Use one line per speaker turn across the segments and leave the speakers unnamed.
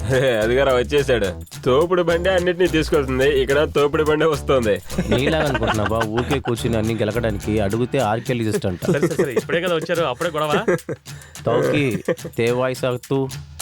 అదిగారా వచ్చేసాడు. తోపుడు బండి అన్నిటినీ తీసుకెళ్తుంది, ఇక్కడ తోపుడు బండి వస్తుంది.
నీలాగా అనుకుంటున్నావా ఊరికే కూర్చుని అన్ని గెలకడానికి? అడిగితే ఆర్కే లిస్ట్ అంట.
ఇప్పుడే కదా వచ్చారు, అప్పుడే గొడవ.
తౌకి తేవాయి సాగుతూ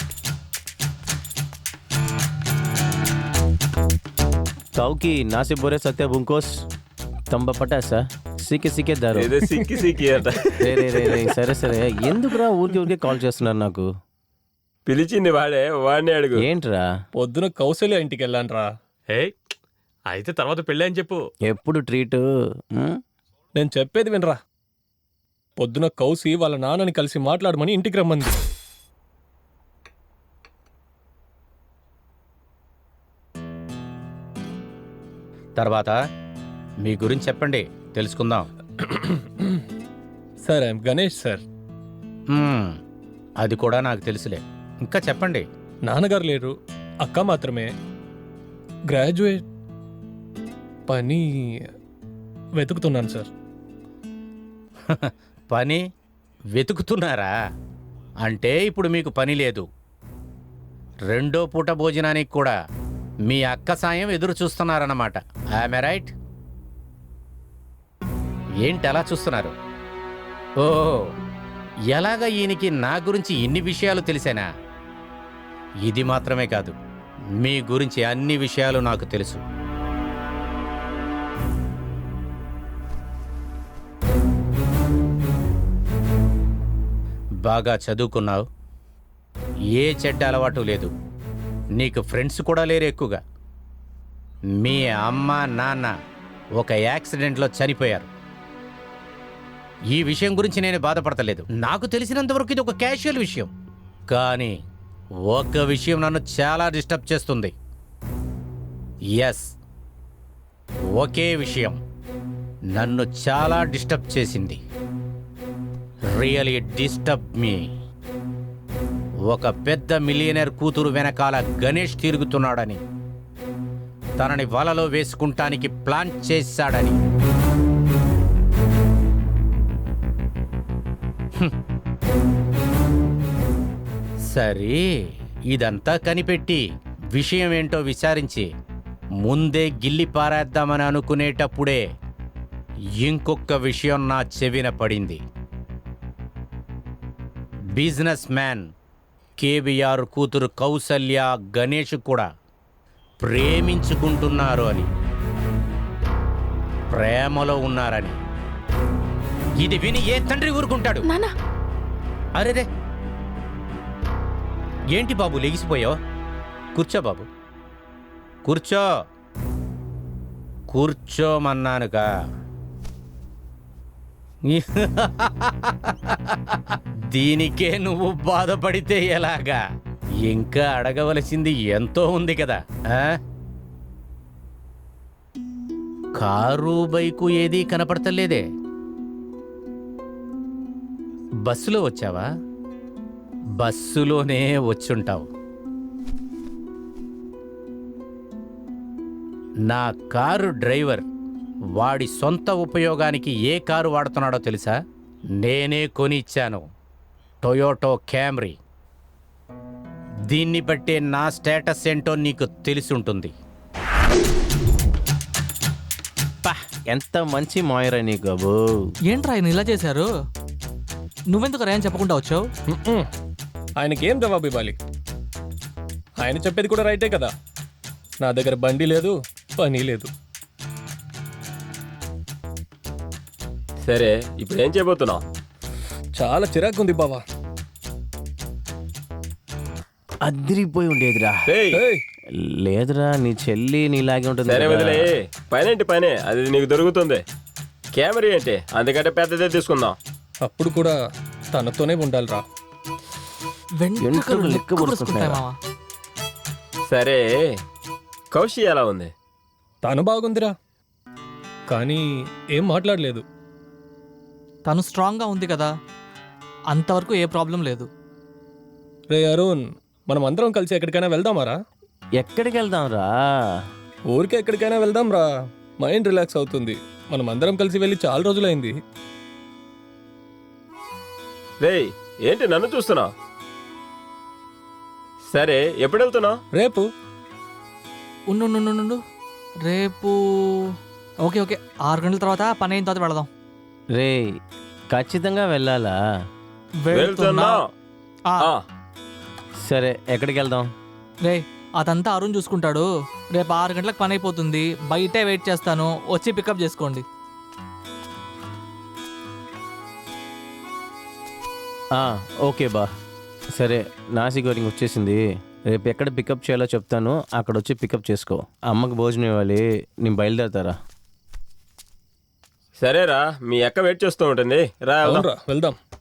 తౌకి నాసి బొరే సత్య బుంకోస్ తంబ పటాసా సీకే సీకే దారు.
ఏదో సిక్కి సిక్కి అట.
సరే సరే, ఎందుకురా ఊరికే కాల్ చేస్తున్నారు నాకు?
పిలిచింది వాడే, వాడిని అడుగు.
ఏంట్రా?
పొద్దున కౌశల్య ఇంటికి వెళ్ళాను.
ఏ అయితే తర్వాత పెళ్ళి అని చెప్పు.
ఎప్పుడు ట్రీట్?
నేను చెప్పేది వినరా. పొద్దున కౌసి వాళ్ళ నాన్నని కలిసి మాట్లాడమని ఇంటికి రమ్మంది.
తర్వాత మీ గురించి చెప్పండి, తెలుసుకుందాం.
Sir I'm Ganesh sir.
అది కూడా నాకు తెలుసులే, ఇంకా చెప్పండి.
నాన్నగారు లేరు, అక్క మాత్రమే. గ్రాడ్యుయేట్, పని వెతుకుతున్నాను సార్.
పని వెతుకుతున్నారా? అంటే ఇప్పుడు మీకు పని లేదు, రెండో పూట భోజనానికి కూడా మీ అక్క సాయం ఎదురు చూస్తున్నారన్నమాట. I'm right? ఏంటి అలా చూస్తున్నారు? ఓ, ఎలాగ ఈయనకి నా గురించి ఇన్ని విషయాలు తెలిసేనా? ఇది మాత్రమే కాదు, మీ గురించి అన్ని విషయాలు నాకు తెలుసు. బాగా చదువుకున్నావు, ఏ చెడ్డ అలవాటు లేదు, నీకు ఫ్రెండ్స్ కూడా లేరు ఎక్కువగా. మీ అమ్మ నాన్న ఒక యాక్సిడెంట్లో చనిపోయారు. ఈ విషయం గురించి నేను బాధపడతలేదు, నాకు తెలిసినంతవరకు ఇది ఒక క్యాషువల్ విషయం. కానీ ఒక విషయం నన్ను చాలా డిస్టర్బ్ చేస్తుంది. ఎస్, ఒకే విషయం నన్ను చాలా డిస్టర్బ్ చేసింది. Really disturb me. ఒక పెద్ద మిలియనర్ కూతురు వెనకాల గణేష్ తిరుగుతున్నాడని, తనని వలలో వేసుకుంటానికి ప్లాన్ చేశాడని. సరే, ఇదంతా కనిపెట్టి విషయం ఏంటో విచారించి ముందే గిల్లి పారేద్దామని అనుకునేటప్పుడే ఇంకొక విషయం నా చెవిన పడింది. బిజినెస్ మ్యాన్ కేబిఆర్ కూతురు కౌసల్య గణేష్ కూడా ప్రేమించుకుంటున్నారు అని, ప్రేమలో ఉన్నారని. ఇది విని ఏ తండ్రి ఊరుకుంటాడు? అరేరే, ఏంటి బాబు లెగిసిపోయావు? కూర్చో బాబు, కూర్చో. కూర్చోమన్నానుగా. దీనికే నువ్వు బాధపడితే ఎలాగా? ఇంకా అడగవలసింది ఎంతో ఉంది కదా. కారు బైకు ఏదీ కనపడతలేదే. బస్సులో వచ్చావా? బస్సులోనే వచ్చుంటావు. నా కారు డ్రైవర్ వాడి సొంత ఉపయోగానికి ఏ కారు వాడుతున్నాడో తెలుసా? నేనే కొని ఇచ్చాను, టొయోటో క్యామ్రీ. దీన్ని బట్టే నా స్టేటస్ ఏంటో నీకు తెలిసుంటుంది.
ఎంత మంచి మాయరా నీకు బాబు.
ఏంట్రా ఆయన ఇలా చేశారు? నువ్వెందుకు రా అని చెప్పకుండా వచ్చావు?
ఆయనకి ఏం జవాబు ఇవ్వాలి? ఆయన చెప్పేది కూడా రైటే కదా. నా దగ్గర బండి లేదు, పని లేదు.
సరే, ఇప్పుడు ఏం చేయబోతున్నావు?
చాలా చిరాకుంది బావా.
అదిరిపోయి ఉండేదిరా.
ఏయ్,
లేదురా, నీ చెల్లి నీలాగే ఉంటుంది.
సరే వదిలే, పనేంటి పనే, అది నీకు దొరుకుతుంది. కెమెరా ఏంటి, అందుకంటే పెద్దదే తీసుకుందాం.
అప్పుడు కూడా తనతోనే ఉండాలిరా.
వెంట్రుకలు లెక్క పొడుచుకుంటాయి మావా.
సరే, కౌశి ఎలా ఉంది?
తను బాగుందిరా, కానీ ఏం మాట్లాడలేదు.
తను స్ట్రాంగ్గా ఉంది కదా, అంతవరకు ఏ ప్రాబ్లం లేదు.
రే అరుణ్, మనం అందరం కలిసి ఎక్కడికైనా వెళ్దామారా?
ఎక్కడికి వెళ్దాం రా?
ఊరికే ఎక్కడికైనా వెళ్దాం రా, మైండ్ రిలాక్స్ అవుతుంది. మనం అందరం కలిసి వెళ్ళి చాలా రోజులైంది.
రేయ్, ఏంటి నన్ను చూస్తున్నావు? సరే ఎప్పుడు వెళ్తున్నావు?
రేపు
ఉండు ఉండు, ఉండు, ఉండు. రేపు ఓకే ఓకే 6 గంటల తర్వాత పని అయిన తర్వాత వెళదాం.
రే ఖచ్చితంగా వెళ్ళాలా?
వెళ్తున్నా.
ఆ,
ఆ,
సరే ఎక్కడికి వెళ్దాం?
రే అదంతా అరుణ్ చూసుకుంటాడు. రేపు 6 గంటలకు పని అయిపోతుంది. బయటే వెయిట్ చేస్తాను, వచ్చి పికప్ చేసుకోండి.
ఓకే బా. సరే నాసి గోరింగ్ వచ్చేసింది. రేపు ఎక్కడ పికప్ చేయాలో చెప్తాను, అక్కడ వచ్చి పికప్ చేసుకో. అమ్మకి భోజనం ఇవ్వాలి, నేను బయలుదేరతారా?
సరేరా, మీ అక్క వెయిట్ చేస్తూ ఉంటుంది. రా వెళ్దాం.
అవునరా వెళ్దాం.